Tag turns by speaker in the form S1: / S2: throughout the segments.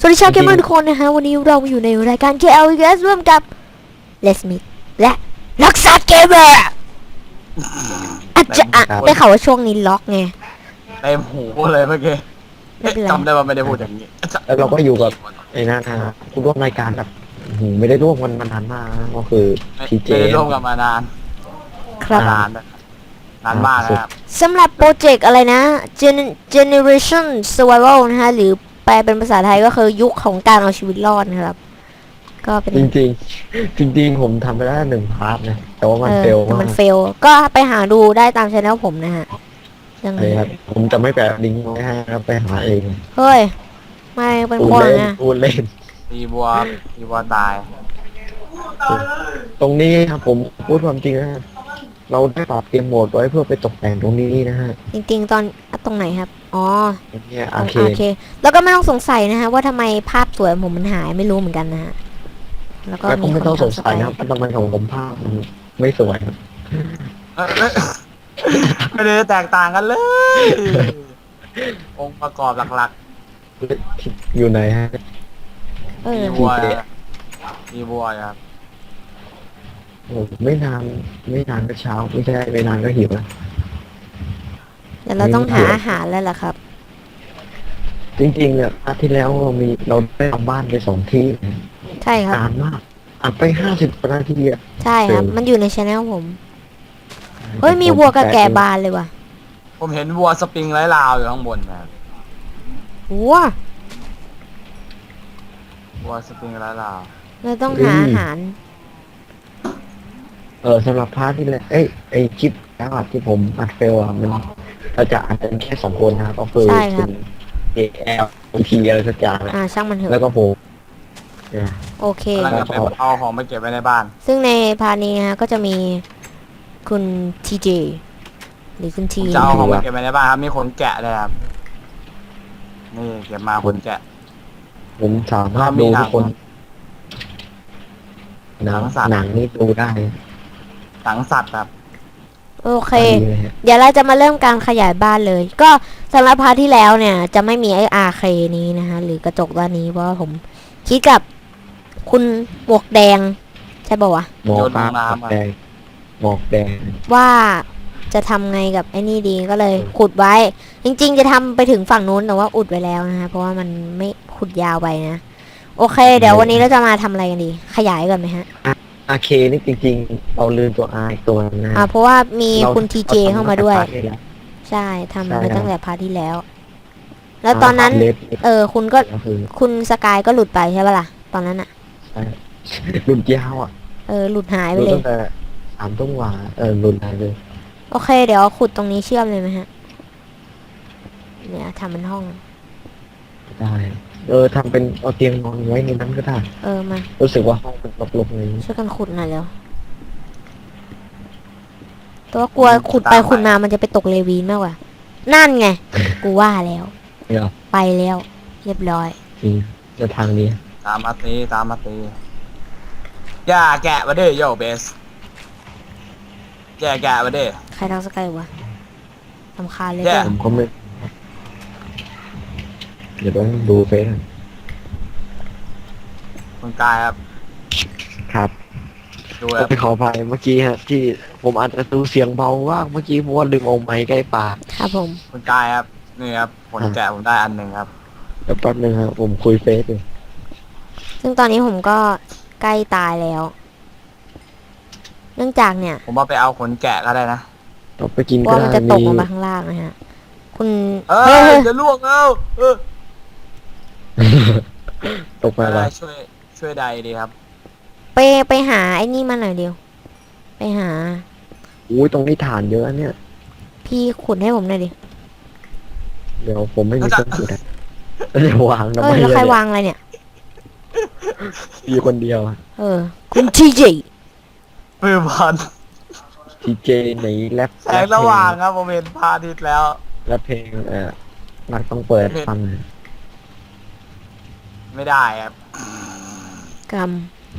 S1: วัสดีชาวเกมเมอร์ทุกคนนะฮะวันนี้เราอยู่ในรายการ KLES ร่วมกับ Let's Meet และล็อกซัดเกมเมอร์อาจจะได้ข่าวว่าช่วงนี้ล็อกไง
S2: เต็มหูเลยเมื่อกี้
S1: ไม่เป็นไร
S2: จำได้ว่าไม่ได้พูดอย่างนี้
S3: แล้วเราก็อยู่กับไอ้นั่นนะผู้ร่วมรายการแบบไม่ได้ร่วมกันมานานมากนะก็คือพีเจ
S2: ไม่ได้ร่วมกันมานาน
S1: ครับ
S2: นานนานมากนะครับ
S1: สำหรับโปรเจกต์อะไรนะ Generation Survival นะฮะหรือแปลเป็นภาษาไทยก็คือยุคของการเอาชีวิตรอดนะครับ ก็เป็น
S3: จริงผมทำไปแล้ว1 พาร์ทนะแต่ว่ามันเฟลมาก
S1: มันเฟลก็ไปหาดูได้ตามช่องผมนะฮะยังไง
S3: เลยครับผมจะไม่แปะลิงก์ไว้ให้ครับไปหาเอง
S1: เฮ้ยไม่เป็น
S3: พู
S1: ค
S3: ด
S1: น
S3: เล่น
S1: นะ
S3: พูดเล่น
S2: ตีบัวตาย
S3: ตรงนี้ครับผมพูดความจริงนะฮะเราได้ปรับเกมโหมดไว้เพื่อไปตกแต่งตรงนี้นะฮะ
S1: จริงๆตรงไหนครับอ๋อ
S3: เนี่ย
S1: โอ
S3: โอเค
S1: เคแล้วก็ไม่ต้องสงสัยนะฮะว่าทำไมภาพสวยผมมันหายไม่รู้เหมือนกันนะฮะแล้วก็
S3: แล้วก็
S1: มี
S3: ไม่
S1: คน
S3: ต้องสง
S1: ทำส
S3: สั
S1: ไป
S3: ยนะครับทำไมของผมภาพมันไม่สวยครับ
S2: เอ้ยไม่ได้แตกต่างกันเลย องค์ประกอบหลัก
S3: อยู่ไหนฮะ
S1: เอ
S2: ๆ
S1: อ
S2: ตีบัวตีบัวครับ
S3: โอ้ไม่นานก็เช้าไม่ใช่ไม่นานก็หิวนะ
S1: เดี๋ยวเราต้องหาอาหารแล้วล่ะครับ
S3: จริงๆเนี่ยอาทิตย์แล้วเราได้ทำบ้านไป2 ที่นะ
S1: ใช่ครับ
S3: นานมากอัดไป50 กว่านาทีอะ
S1: ใช่ครับ มันอยู่ในช anel ผมเฮ้ยมีวัวกับแกะบานเลยว่ะ
S2: ผมเห็นวัวสปริงไร้ลาวอยู่ข้างบนนะครับ
S1: วัว
S2: วัวสปริงไร้ลาว
S1: เราต้องหาอาหาร
S3: สำหรับพาร์ทที่แล้วไอ้คลิปแล้วอะที่ผมอัดเฟลอะมันเราจะอัดกันแค่2 คนนะครับก็คือ
S1: ใช่ครับ
S3: ณเอลทีอะไรสักอย่างนะ
S1: ช่างมันเถ
S3: แล้ว
S1: อะ
S3: ก็ผมเนี่ย
S1: โอเค
S2: กำลังจะไปเอาของไปเก็บไว้ในบ้าน
S1: ซึ่งในพาร์ทนี้นะฮะก็จะมีคุณทีเจหรือคุณที
S2: จะเอาของไปเก็บไว้ในบ้านครับมีขนแกะเลยครับนี่เก็บมาขนแกะ
S3: ผมสามารถดูทุกคนหนัง
S2: หนังสัตว์
S3: หนังนี่ดูได้
S2: หนังสัตว์ครับ
S1: โอเค
S3: ดีเลยฮะ
S1: เดี๋ยวเราจะมาเริ่มการขยายบ้านเลย ก็สำหรับพาร์ทที่แล้วเนี่ย จะไม่มีไอ้ RK นี้นะฮะหรือกระจกด้านนี้เพราะว่าผมคิดกับคุณหมวกแดง ใช่ป่าวะ
S3: หมอกฟ้าหมอกแดงหมอกแดง
S1: ว่าจะทำไงกับไอ้นี่ดีก็เลยขุดไว้ จริงๆจะทำไปถึงฝั่งนู้นแต่ว่าอุดไว้แล้วนะฮะเพราะว่ามันไม่ขุดยาวไปนะ โอเค เดี๋ยววันนี้เราจะมาทำอะไรกันดี ขยายก่อนไหมฮะ
S3: อาเคนี่จริงๆเราลืมตัวอาอีกตัวนึงนะ
S1: เพราะว่ามี
S3: ร
S1: คุณทีเจ
S3: ร
S1: เข้ามาด้วย
S3: ทำตั้งแต่พร์ทที่แล้ว
S1: ใช่ทำ
S3: ใช่
S1: ไป
S3: ครับ
S1: ตั้งแต่พาร์ทที่แล้ว แล้วตอนนั้น
S3: เล็บ
S1: คุณก็
S3: ก็คือ
S1: คุณสกายก็หลุดไปใช่ปะล่ะ ตอนนั้นอะ
S3: ใช่รุ่นยาวอ่ะ
S1: หลุดหายไป
S3: รุ่น
S1: เล
S3: ตั้
S1: ย
S3: งแต่3 ทุ่มกว่ารุ่นไหนเลย
S1: โอเค เดี๋ยวขุดตรงนี้เชื่อมเลยไหมฮะ เนี่ยทำเป็นห้อง
S3: ได้ทำเป็นเอาเตียงนอนไว้ในนั้นก็ได้
S1: มา
S3: รู้สึกว่าห้องมันรกๆเลย
S1: ช่วยกันขุดหน่อยเร็วตัวกลัวขุดไปขุดมามันจะไปตกเลวีนมากกว่า นั่นไง กูว่าแล้ว
S3: เนี่ย
S1: ไปแล้ว เรียบร้อย
S3: จริงจะทางนี้
S2: ตามมาตีอย่าแกะมาดิโยเบสแกะมาดิ
S1: ใครทักสกายวะสำคัญเลย
S2: แย่
S1: เด้อ
S3: ผมก็ไม่เดี๋ยวต้องดูเฟซก่อน
S2: คุณกายครับ
S3: ครับ
S2: ดูครับ
S3: ไปขออภัยเมื่อกี้ฮะที่ผมอาจจะดูเสียงเบาว่างเมื่อกี้เพราะว่าลืมเอาไม้ใกล้ปาก
S1: ครับผม
S2: คุณกายครับนี่ครับผลแกะผมได้อันหนึ่งครับ
S3: แล้วแป๊บนึงครับผมคุยเฟซอยู่
S1: ซึ่งตอนนี้ผมก็ใกล้ตายแล้ว เนื่องจากเนี่ย
S2: ผมว่าไปเอาขนแกะก็ได้นะ
S3: เราไปกินก็
S1: ว่ามัน
S3: ได้
S1: จะตก
S3: มี
S1: ลงมาข้างล่างนะฮะ คุณ
S2: เอ
S1: เฮ้ย
S2: อ
S1: เฮ้ย
S2: จะล่วงเอา
S3: ตกไป
S2: อะไร
S3: แล้ว
S2: ช่วยใดดีครับ
S1: ไปหาไอ้นี่มาหน่อยเดียว ไปหา
S3: อุ้ยตรงนี้ฐานเยอะเนี่ย
S1: พี่ขุดให้ผมหน่อยดิ
S3: เดี๋ยวผมไม่มีเครื่องจุดอะแล้วจะวางทำไม
S1: แล้วใคร
S3: เนี่ยว
S1: างอะไรเนี่ย
S3: อยู่คนเดียว
S1: คุณทีเจ
S2: มือพัน
S3: ทีเจในแรป
S2: แสงระหว่างครับผมเห็นพระอาทิตย์แล้ว
S3: แรปเพลงนักต้องเปิดฟัง
S2: ไม่ได้ครับ
S1: กรรม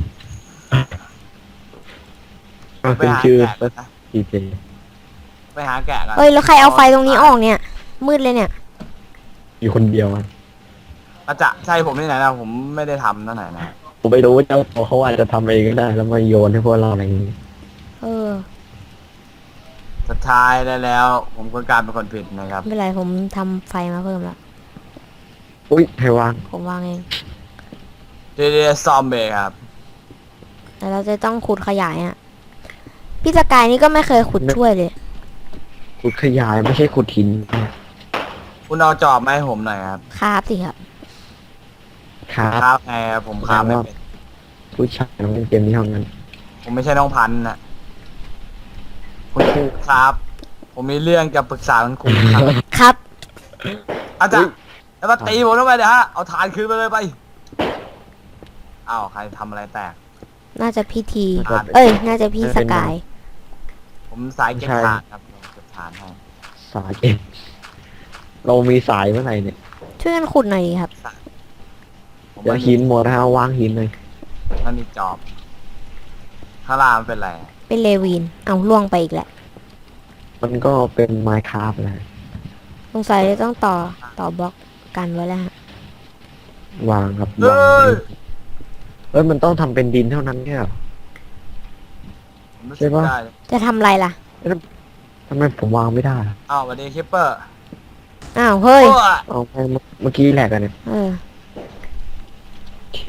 S3: ก็
S2: ไป
S3: คือ
S2: หา
S3: ชื่อ
S2: แกะก่อนนะ
S3: ทีเจ
S2: ไปหาแกะกัน
S1: เฮ้ยแล้วใครเอาไฟตรงนี้ออกเนี่ย มืดเลยเนี่ย
S3: อยู่คนเดียวอะ
S2: อาจจะใช่ผมที่ไหนนะผมไม่ได้ทำนั่นไหนนะ
S3: ผมไม่รู้ว่าเจ้าตัวเขาอาจจะทำเองก็ได้ แล้วมาโยนให้พวกเราอะไรอย่างนี้
S1: เออ
S2: สุดท้ายแล้ว ผมก็กลารเป็นคนผิดนะครับ
S1: ไม่เป็นไรผมทำไฟมาเพิ่มแล้ว
S3: อุ้ยให้วาง
S1: ผมวางเอง
S2: เดเดซอมเบครับ
S1: แต่เราจะต้องขุดขยายอ่ะ พี่สกายนี่ก็ไม่เคยขุดช่วยเลย
S3: ขุดขยายไม่ใช่ขุดหิน
S2: คุณเอาจอบมาให้ผมหน่อยครับ
S1: ครับสิครับ
S3: ครับ
S2: ครับไงครับผมครับไม่เป็น
S3: ผู้ชายน้องเล่นเกมนี้เท่านั้น
S2: ผมไม่ใช่น้องพันธุ์นะคุณครูครับ ผมมีเรื่องจะปรึกษาคุณครูครับ
S1: ครับ
S2: อาจารย์แล้วมาตีผมทำไมเนี่ยฮะเอาฐานคืนไปเลยไปอ้าวใครทำอะไรแตก
S1: น่าจะพี่ที
S2: ครับ
S1: เอ้ย น่าจะพี่สกาย
S2: ผมสายเก็บฐานครับผมเก็บฐานให้
S3: สายเอ็มเรามีสายเมื่อไหร่เนี่ย
S1: ช่วยกันขุดหน่อยดีครับ
S2: ผม
S3: เดี๋ยว
S2: ไม่
S3: หินหมดแล้ววางหินเลย
S2: มันมีจอบข้างล่างมันเป็นไร
S1: เป็นเลวีน เอาล่วงไปอีกแหละ
S3: มันก็เป็นไมค์คราฟนะ
S1: สงสัยจะต้องต่อบล็อกกันไว้แล้วฮะ
S3: วางครับ
S2: เอ้
S3: วาง
S2: ย
S3: เอ้ยมันต้องทำเป็นดินเท่านั้นเนี่ยเหรอ
S2: ผมรู้
S3: ใช่
S2: สึก
S3: ปะ
S2: ได้
S1: จะทำอะไรล่ะ
S3: ทำไมผมวางไม่ได้ล่ะ
S2: อ้าวสวัสดีคิปเปอร์
S1: อ้าว เฮ้ย
S2: โอ้ย
S3: เอาไปเมื่อกี้แหลกกันเนี่ย
S1: เออ
S3: โอเค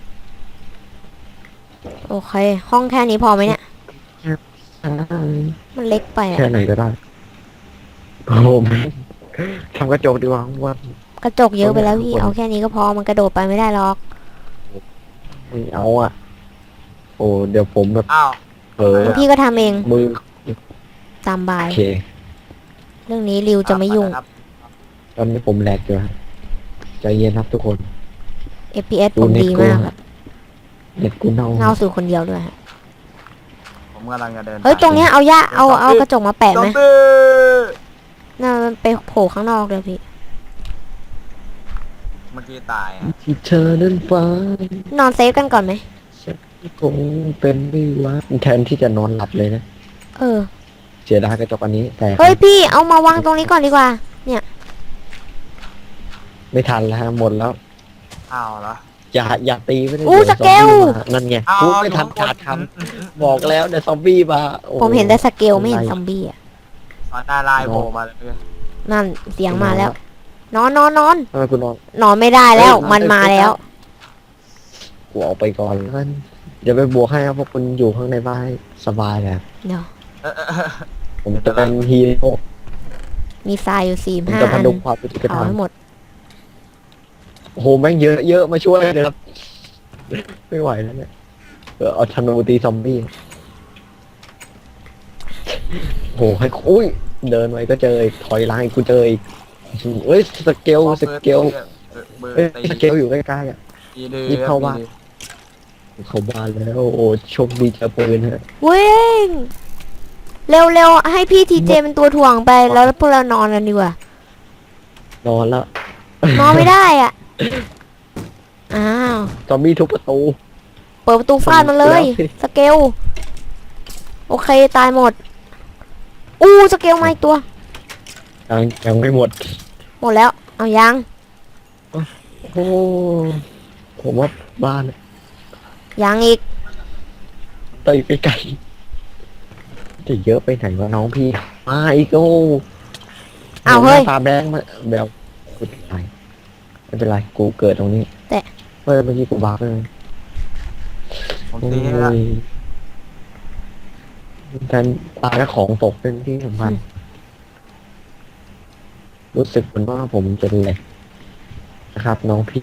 S1: โอเค ห้องแค่นี้พอไหมเนี่ย มันเล็กไป
S3: แค่
S1: อะ
S3: ไหนก็ได้โอ้โหทำกระจกดีกว่าว่าก
S1: ระจกเยอะไปแล้วพี่ เอาแค่นี้ก็พอ มันกระโดดไปไม่ได้หรอก
S3: ไม่เอาอ่ะ โอ้เดี๋ยวผมแบบ
S2: อ้าว
S3: เออ
S1: พี่ก็ทำเอง
S3: มือ
S1: ตามบา
S3: โอย เค
S1: เรื่องนี้ริวจะไม่ยุ่ง
S2: ครับ
S3: ตอนนี้ผมแหลกอยู่ครับใจเย็นครับทุกคน
S1: FPS
S3: ดู
S1: ผม
S3: เน็ต
S1: ดี
S3: กู
S1: มากครับ
S3: เน็ตกูเน่า
S1: เงาสู่คนเดียวด้วยฮะ
S2: ผมกำลังจะเดิน
S1: เฮ้ย ตรงเนี้ยเอาย่าเอากระจกมาแปะ
S2: ซอ
S1: ไหม
S2: มบี้
S1: น่ามันไปโผล่ข้างนอกเลยพี่
S2: เมื่อกี้ตายอะ
S3: ที่เธอนั้นฟ้าน
S1: อนเซฟกันก่อนไหม
S3: ฉันคงเป็นไม่ว่าแทนที่จะนอนหลับเลยนะ
S1: เออ
S3: เสียดายกระจกอันนี้แต่
S1: เฮ้ยพี่ เอามาวางตรงนี้ก่อนดีกว่า เนี่ย
S3: ไม่ทันแล้วฮะหมดแล้ว
S2: อ้าวเหรอ
S3: อย่าตีไม่ได้
S1: อู้
S3: เดี๋ยว
S1: สเกล
S3: ซอมบี้มานั่นไง
S2: อ้าว
S3: พูดไม่ทันขาดคำบอกแล้วเดี๋ยวซอมบี้มาโอ้
S1: ผมเห็นแต่สเกลไม่เห็นซอมบี้อ่ะ
S2: ตอนหน้าลายโผล่มาเลย
S1: นั่นเสียงมาแล้ว นอน
S3: ทำไมคุณนอน
S1: นอนไม่ได้แล้ว
S3: เฮ้ย
S1: มันมาแล้ว
S3: กูออกไปก่อนแล้วกันเดี๋ยวไปบวกให้ครับพวกคุณอยู่ข้างในบ้านให้สบายเลยครับ
S1: เดี๋ยว
S3: ผมจะเป็นฮีโร่
S1: มีทรายอยู่สี่
S3: ผม
S1: ห้า
S3: จะพ
S1: อัน
S3: ดุงความเป็นกระ
S1: เผา
S3: ทำ
S1: ให้หมด
S3: โอ้โหแม่งเยอะมาช่วยเลยครับ ไม่ไหวแล้วเนี่ยเอาธนูตีซอมบี้โอ้โหให้อุ้ยเดินไปก็เจออีกถอยหลังอีกกูเจออีกเอ้ยสเกล
S2: เบอร์
S3: สเกล
S2: เบอร์
S3: เอ้ย
S2: ตี
S3: สเกลอยู่ใกล้ๆอ่ะ
S2: อีดื้อ
S3: รีบเข้าบ้าน เขาบ้านแล้วโอ้โชคดีเจอปืนฮะ
S1: วิ่ง เร็วๆ ให้พี่ทีเจเป็นตัวถ่วงไป แล้วพวกเรานอนกันดีกว่า
S3: นอนแล้ว
S1: นอนไม่ได้อ่ะ อ้าว
S3: ซอมบี้ทุบประตู
S1: เปิดประตูฟาดมันเลย
S3: แล้วสิ
S1: สเกล โอเค ตายหมด อู้สเกลมาอีกตัว
S3: ยังไม่หมด
S1: หมดแล้ว เอายัง
S3: โอ้ผมว่าบ้าน
S1: ยังอีก
S3: เตยไปไกลจะเยอะไปไหนวะน้องพี่มาอีกโอ้
S1: อ้าวเฮ้ย
S3: ตาแบงค์มาแบบกูตายไม่เป็นไรกูเกิดตรงนี้
S1: แต่
S3: เมื่อกี้กูบาร์ไปเลย
S2: ผม
S3: โอ้
S2: ตีให้ละ
S3: ยแทนตายแล้วของตกเป็นที่สำคัญรู้สึกเหมือนว่าผมจะแหลกนะครับ น้องพี่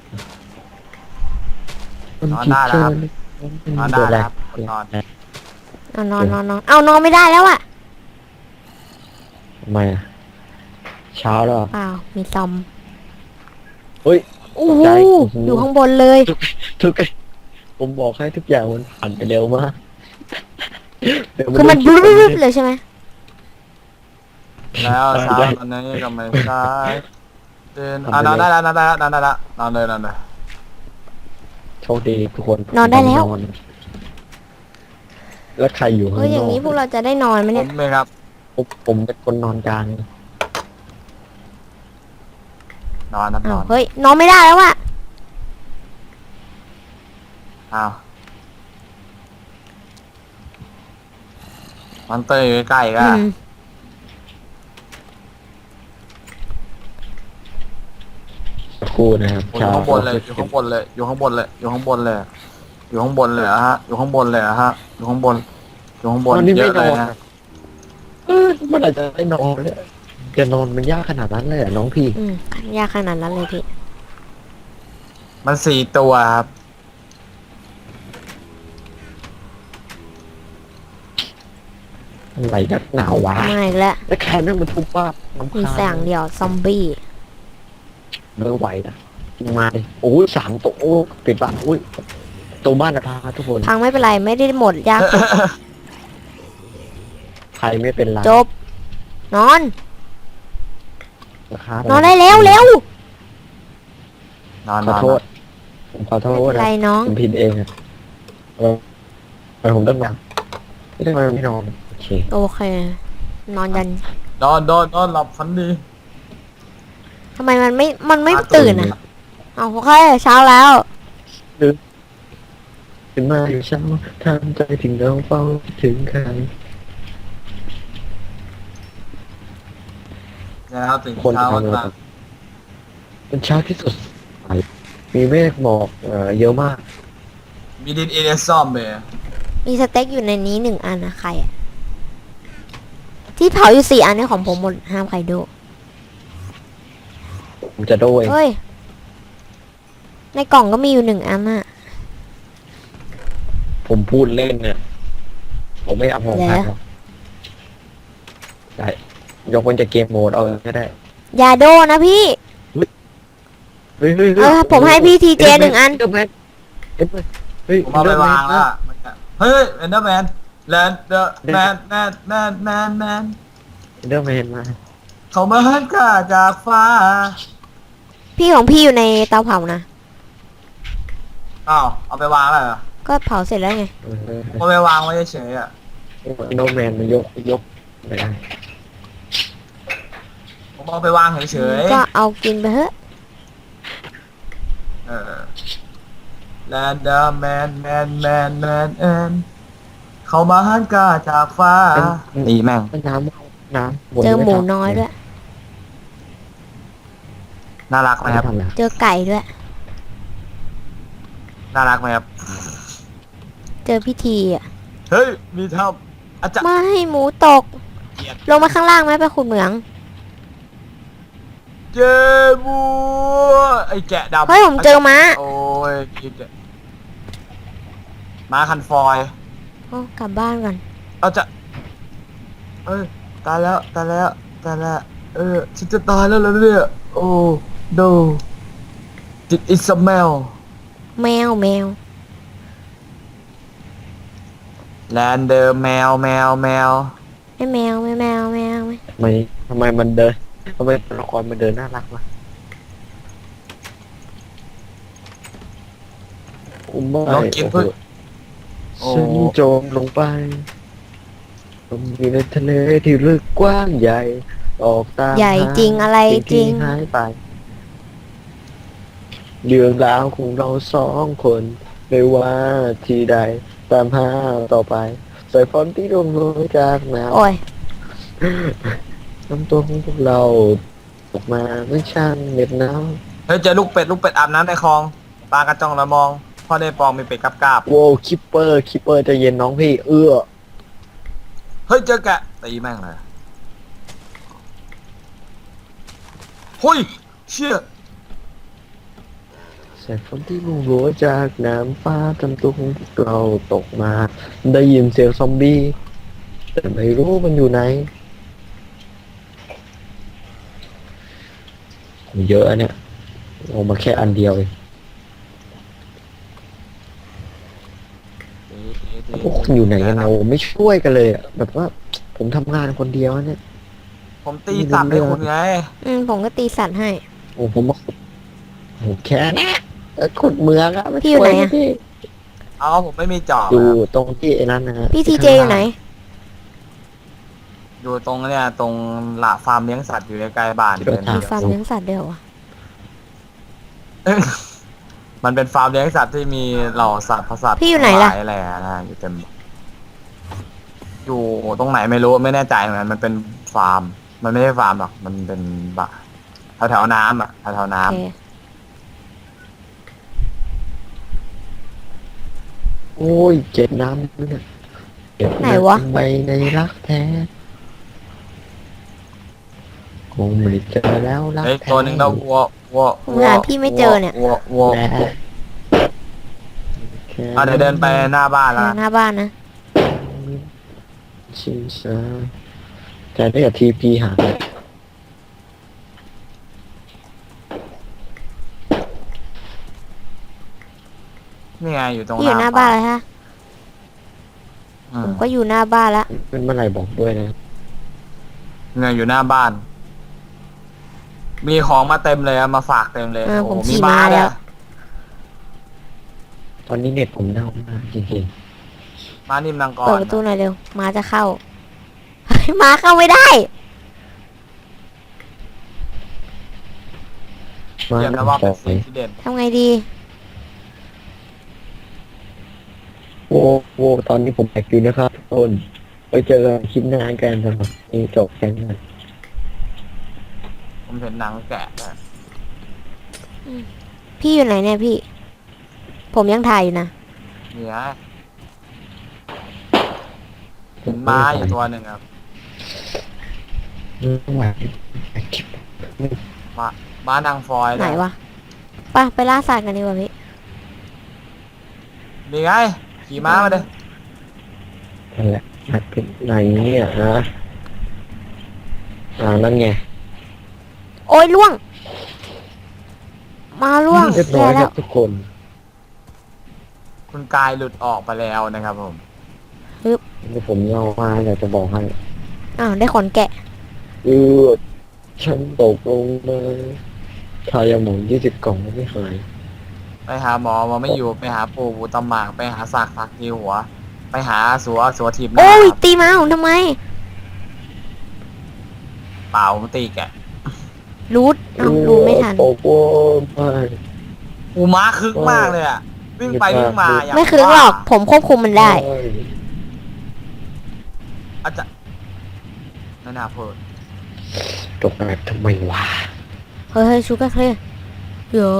S2: นอนได้แล้วครับนอนได้แล้วครับนอน
S1: เอานอนเอานอนไม่ได้แล้วอ่ะ
S3: ทำไมอะเช้าแล้วเหรอ
S1: เปล่า มีซอม
S3: เฮ้ย
S1: โอ้โห
S3: ใจโอ้โห
S1: อยู่ข้างบนเลย
S3: ทุกผมบอกให้ทุกอย่างมันผ่านไปเร็วมากเดี๋ยว
S1: คือมัน
S3: ดู
S1: บ
S3: คลิป
S1: ลึ๊
S3: ก่อน
S1: บเลยใช่ไหม
S2: แล้วเช้าตอนนี้ก็ไม่สายเดินนอนได้แล้วนอนได้แล้วนอนได้แล้วนอนเลยนอนเลย
S3: โชคดีทุกคน
S1: นอนได้แล้ว
S3: แล้วใครอยู่ข้าง
S1: เฮ้ย
S3: น
S1: อย่าง
S3: อก
S1: นี้พวกเราจะได้นอนไหม
S2: ผ
S1: เนี่ย
S2: มเลยครับ
S3: ผมเป็นคนนอนกลาง
S2: นอนนะน
S1: อ้า
S2: อ
S1: วน เฮ้ย นอนไม่ได้แล้วอ่ะ
S2: อ้าวมอนเตอร์อยู่ใกล้ๆก็
S1: อืม
S3: สักครู่นะครับ
S2: อยู่ข้างบนเลยอยู่ข้างบนเลยอยู่ข้างบนเลยอยู่ข้างบนเลยอยู่ข้างบนเลยเหรอฮะอยู่ข้างบนเลยเหรอฮะอยู่ข้างบนอยู่ข้างบน
S3: ตอนนี้
S2: เย
S3: ไม่
S2: อะ
S3: น
S2: เล
S3: อย น
S2: นะ
S3: เมื่อไหร่จะได้นอนเนี่ยจะนอนมันยากขนาดนั้นเลยเหรอน้องพี่
S1: อืมยากขนาดนั้นเลยพี่
S2: มัน4 ตัวครับ
S3: อะไรนักหนาววะ
S1: มาอีกแล้ว
S3: แล้วแค่นั้นมันทุบป้าบน้ำ
S1: มี
S3: คาญ
S1: แสงเดียวซอมบี้
S3: ไม่ไหวนะมาดิโอ้ย3 ตัวโอ้ปิดปากอุ้ยตัวบ้านจะพาทุกคน
S1: พังไม่เป็นไรไม่ได้หมดยากสุด
S3: ใครไม่เป็นไร
S1: จบ นอน
S3: นะครับ
S1: นอนได้แล้วเร็วน
S2: อน
S3: ข
S2: น
S3: อ
S2: อน
S3: โทษผมขอโท
S1: ไม่
S3: ษ
S1: เป็น
S3: นะ
S1: ไรน้อง
S3: ผมผิดเองอะไปผมต้องนอนไม่ได้มาไม่นอนโอเค
S1: โอเค นอนยัน
S2: นอนหลับฝันดี
S1: ทำไมมันไม่ตื่นอ่ะเอาโอเคเช้าแล้ว
S3: ขึ้นมาอยู่เช้าทำใจถึงเราเฝ้าคิดถึงใคร
S2: แล้วตื่น
S3: คน
S2: เช้า
S3: ทำ
S2: มา
S3: เป็นเช้าที่สดใสมีเมฆหมอกเยอะมาก
S2: มีดินเอเดซอมเบย์
S1: มีสเต็กอยู่ในนี้1 อันนะใครอะที่เผาอยู่4 อันนี่ของผมหมดห้ามใครดู
S3: ผมจะโดย
S1: เฮ้ย ในกล่องก็มีอยู่1 อันอะ
S3: ผมพูดเล่นเนี่ย ผมไม่เอาของใครหรอกได้ยกเว้นจะเกมโหมดเอาก็ได้
S1: อย่าโดนะพี่
S3: เฮ้ย
S1: ผมให้พี่ทีเจ1 อัน
S3: เดอร์แมนเฮ้ย
S2: ผมเอาไปวางแล้วอะมันจะเฮ้ยเอนเดอร์แมนแลนเดอร์แมนแมน
S3: เดอร์แมนมา
S2: เขามาหันข้าจากฟ้า
S1: พี่ของพี่อยู่ในเตาเผานะ
S2: อ้าวเอาไปวางแล้วเหรอ
S1: ก็เผาเสร็จแล้วไง
S2: เอาไปวางไว้เฉยๆอ่ะ
S3: เดอร์แมนมันยกไม่ได้
S2: ผมเอาไปวางเฉย
S1: ก็เอากินไปเถอะ
S2: ๆแลนเดอร์แมนเขามาหันข้าจากฟ้านี่แม่ง
S3: น้ำ
S1: เจอหมูน้อยด้วย
S2: น่ารักไหมครับ
S1: เจอไก่ด้วย
S2: น่ารักไหมครับ
S1: เจอพิธีอ่ะ
S2: เฮ้ยมีทำอาจารย์
S1: ไม่ให้หมูตก ลงมาข้างล่างไหมไปขุดเหมือง
S2: เจบัวไอ้แกะดำ
S1: เฮ้ยผมเจอม้า
S2: โอ้ยคิดอะม้าคันฟอย
S1: โอ้กลับบ้านก่อน
S2: เอาจะเอ้ยตายแล้วฉันจะตายแล้วเหรอเนี่ยโอ้โดจิตอิสเมล
S1: แมว
S2: แลนเดอร์แมว
S1: ไม่แมวไม่
S3: ทำไมมันเดินทำไมตัวละครมันเดินน่ารักวะไม่
S2: ลองกินเพื่อ โอ้
S3: ฉันจมลงไปจมอยู่ในทะเลที่ลึกกว้างใหญ่ ออกตาม
S1: ใหญ่จริงอะไร
S3: สิ่
S1: จริ
S3: ที่
S1: ง
S3: หายไปเรื่องราวของเรา2 คนไม่ว่าที่ใดตามหาต่อไปสายฝนที่ร่วงโรยจากน้ำ
S1: โอ้ย
S3: น้ำตัวของพวกเราออกมาเมื่อช่างเหน็บหนาว
S2: เฮ้ยเจอลูกเป็ดอาบน้ำในคลองปลากระจ่องละมองพ่อได้ปองมีเป็ดกาบ
S3: โว้คิปเปอร์ใจะเย็นน้องพี่
S2: เฮ้ยเจอแกะตีแม่งเลยเฮ้ยเชี่ย
S3: แสงฝนที่ร่วงโรยจากน้ำฟ้าทำตัวของพวกเราตกมา ได้ยินเสียงซอมบี้แต่ไม่รู้มันอยู่ไหนโหเยอะอะเนี่ยออกมาแค่อันเดียวเองพวกคุณอยู่ไหนกันเราไม่ช่วยกันเลยอะแบบว่าผมทำงานคนเดียวเนี่ย
S2: ผมตีสัตว์ให้คุณไง
S1: ผมก็ตีสัตว์ให้
S3: โอ้ผมมาขุดโอ้แค่เนี้ยขุดเมืองอะม่
S1: พี่อยู่ไหนอะ
S3: ช่วพี่
S2: เอาผมไม่มีจอบ
S3: อยู่
S2: อะ
S3: ตรงที่ไอ้นั้นนะฮะ
S1: พี่ทีเจอยู่ไหน
S2: อยู่ตรงเนี่ยตรงหละฟาร์มเลี้ยงสัตว์อยู่ใกล้ๆบ้านเดิน
S1: มีฟาร์มเลี้ยงสัตว์ด้วยเหรอวะ
S2: เอ้ยมันเป็นฟาร์มเลี้ยงสัตว์ที่มีเหล่าสัตว์สัตว์
S1: พี่อยู่ไหนล่ะ
S2: ทั้งลายอะไรนะอยู่เต็มอยู่ตรงไหนไม่รู้ไม่แน่ใจเหมือนกันมันเป็นฟาร์ม มันไม่ใช่ฟาร์มหรอกมันเป็นบะแถวๆน้ำอ่ะแถวๆน้
S1: โอเค
S3: โอ้ยเจ็บน้ำเนี่ยเจ็บ
S1: ไหนวะ
S3: ไปในรักแท้คงไม่ได้เจอแล้วรั
S2: ำ
S3: ก
S2: เฮ้ย
S3: แท้
S2: ตัวหนึ่งเราวัว
S1: ผมหาพี่ไม่เจอเนี่ย
S2: วัว
S3: แล้
S2: เดี๋ยวเดินไปหน้าบ้านแล้ว
S1: หน้าบ้านนะ
S3: ชิมซาแต่ได้กับทีพีหา
S2: นี่ไงอยู่ตรง
S1: พี่อยู่หน้าบ้านแล้วฮะ
S2: อื
S1: ผม มก็อยู่หน้าบ้านละ
S3: เป็นเมื่อไหร่บอกด้วยนะ
S2: เนี่ยอยู่หน้าบ้าน มีของมาเต็มเลยอะมาฝากเต็มเลย
S1: ผม
S2: โอ้โห
S1: ขี่
S2: มี
S1: ม้า
S2: ม้า
S1: แล้
S2: เนี่
S1: ว
S2: ย
S3: ตอนนี้เน็ตผมเน่ามากจริง
S2: ม้านิ่มนางก
S1: เปิด
S2: ร
S1: ประตูหน่อยเร็วม้าจะเข้า ม้าเข้าไม่ได้
S3: ๆมา
S2: เรียก
S3: ห
S2: นะ
S3: น้า
S2: ว่า
S3: ป
S2: เป็น
S3: อ
S2: สิ่ง
S3: ย
S2: ที่เด่น
S1: ทำไงดี
S3: โว้โว้ตอนนี้ผมแบกอยู่นะครับทุกคนไปเจอกันคลิปหน้ากันสำหรับนี่จบแค่นั้น
S2: ผมเห็นหนังแกะด้วย
S1: พี่อยู่ไหนเนี่ยพี่ ผมยังถ่ายอยู่นะ
S2: เนี่ยเห็นม้าอยู่ตัวหนึ่งครับ
S3: ไม่ไหวคลิป
S2: ม้านางฟอย
S1: ไหน
S2: เยว
S1: ะไปล่าสัตว์กันดีกว่าพี่
S2: นี่ไงขี่ม้ามาเลย
S3: นั่นแหละมันเป็นไหนเนี่ยฮะนั่นไง
S1: โอ้ยล่วง มาล่วง
S3: เรียบร้อยค
S1: แล้
S3: รั
S1: ว
S3: บทุกคน
S2: คุณกายหลุดออกไปแล้วนะครับผม
S3: เดี๋ยวผมเล่ามาอยากจะบอกให้
S1: อ้าวได้ขนแกะ
S3: ฉันตกลงมาทายาหมอง20 กล่องไม่หาย
S2: ไปหาหมอไม่อยู่ไปหาปู่ตำหมากไปหาสักทีหัว ไปหาสัวทีบหน้า
S1: โอ้ย
S2: ครับ
S1: ตีม้าผมทำไม
S2: เปล่าผมตีแกะ
S1: รูดอ้าวรูดไม่ทัน
S3: ตกว่าไม่
S2: อูม้าคึกมากเลยอะวิ่งไปวิ่งมาอย่าง
S1: ไม่คืนหรอก ผมควบคุมมันได้
S2: อาจจะไม่น่าพูด
S3: ตกแบบทำไมวะ
S1: เฮ้ยชูการ์เคลียร์โย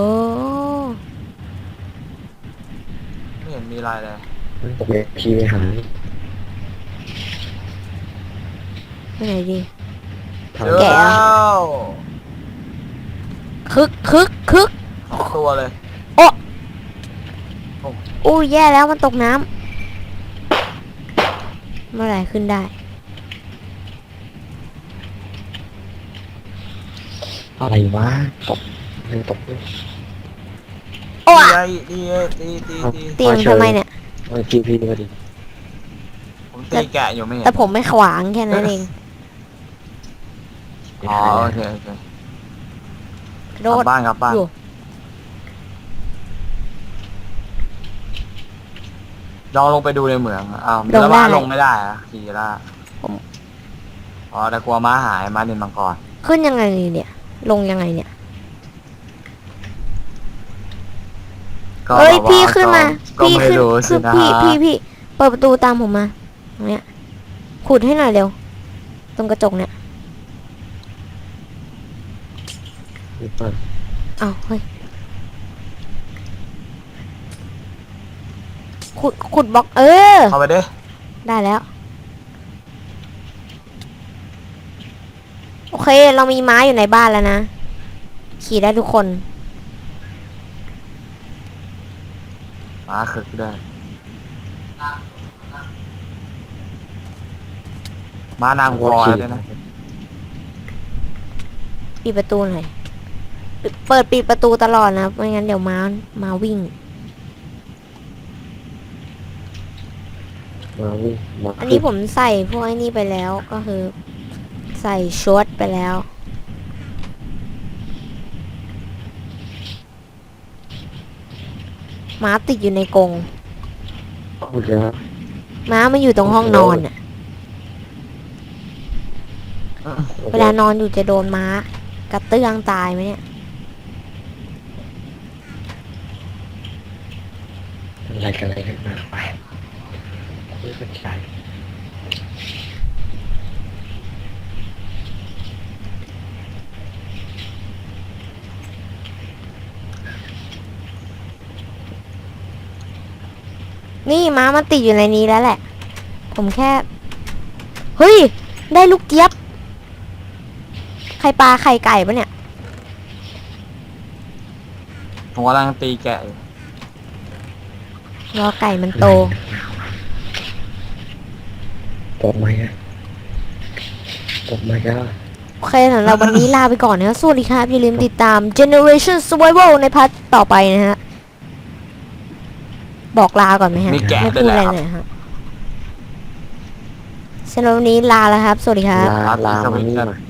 S2: ไม่เห็นมีอะไรเลย
S3: ตกแบบพีไปหาย
S1: ไปไหนดี
S3: ทาง
S2: เจอ
S1: แกะ
S2: แล้ว
S1: คึก
S2: สองตัวเลย
S1: อู้แย่แล้วมันตกน้ำเมื่อไหร่ขึ้นได้
S3: อะไรวะตกยังตกเลย
S1: โอ้
S2: ดีตี
S1: เตียงทำไมเนี่ย
S3: มาทีพีมาดิ
S2: ผมตีแกะอยู่ไม่เห็น
S1: แต่ผมไม่ขวางแค่นั้นเอง
S2: อ๋อโอเค
S1: โด
S2: กลั
S1: ด
S2: บบ้านกลับบ้าน
S1: อยู่
S2: ลองลงไปดูในเหมืองอ้าวแล้วม้าลงไม่ได้อะขี่ละอ๋อแต่กลัวม้าหายม้านินมังกร
S1: ขึ้นยังไงเนี่ย ลงยังไงเนี่ย
S2: ก็
S1: เอ้ย
S2: แบบว่า
S1: พี่ขึ้นมา
S2: ก็
S1: พี่
S2: ไม่
S1: ขึ้น
S2: รู้สิ
S1: คือ
S2: นะ
S1: พี่เปิดประตูตามผมมาตรงเนี้ยขุดให้หน่อยเร็ว ตรงกระจกเนี่ย
S3: นี่ป่ะ
S1: อ้าวเฮ้ยขุดบล็อก
S2: เข้าไปดิ
S1: ได้แล้ว โอเค เรามีม้าอยู่ในบ้านแล้วนะ ขี่ได้ทุกคน
S2: ม้าคึกด้วยม้านางฟอยด้วยนะ
S1: ปิดประตูหน่อยเปิดปิดประตูตลอดนะ ไม่งั้นเดี๋ยวม้าวิ่ง
S3: มาวิ่งมา
S1: อันนี้ผมใส่พวกไอ้นี่ไปแล้วก็คือ ใส่ชุดไปแล้ว ม้าติดอยู่ในกรง
S3: เอาแล้ว
S1: ม้ามันอยู่ตรงห้องนอนน่ะ เวลานอนอยู่จะโดนม้ากระเตื้องตายไหมเนี่ย
S3: อะไรกันอะไรกันมาไปไม่เข้าใจ
S1: นี่ม้ามันติดอยู่ในนี้แล้วแหละ ผมแค่ เฮ้ย ได้ลูกเจี๊ยบ ไข่ปลาไข่ไก่ปะเนี่ย
S2: ผมกำลังตีแกะอยู่
S1: รอไก่มันโต
S3: ตกไหมอะตกไหมก็
S1: โอเคสำหรับวันนี้ลาไปก่อนนะครับสวัสดีครับ อย่าลืมติดตาม Generation Survival ในพาร์ทต่อไปนะฮะ บอกลาก่อนไหมฮะ
S2: มีแกะ
S1: ไม่
S2: ด้วย
S1: พูด
S2: แห
S1: อะไร
S2: ละครับ
S1: เลยฮะสำหรับวันนี้ลาแล้วครับ สวัสดีครับ
S3: ลามานี่มา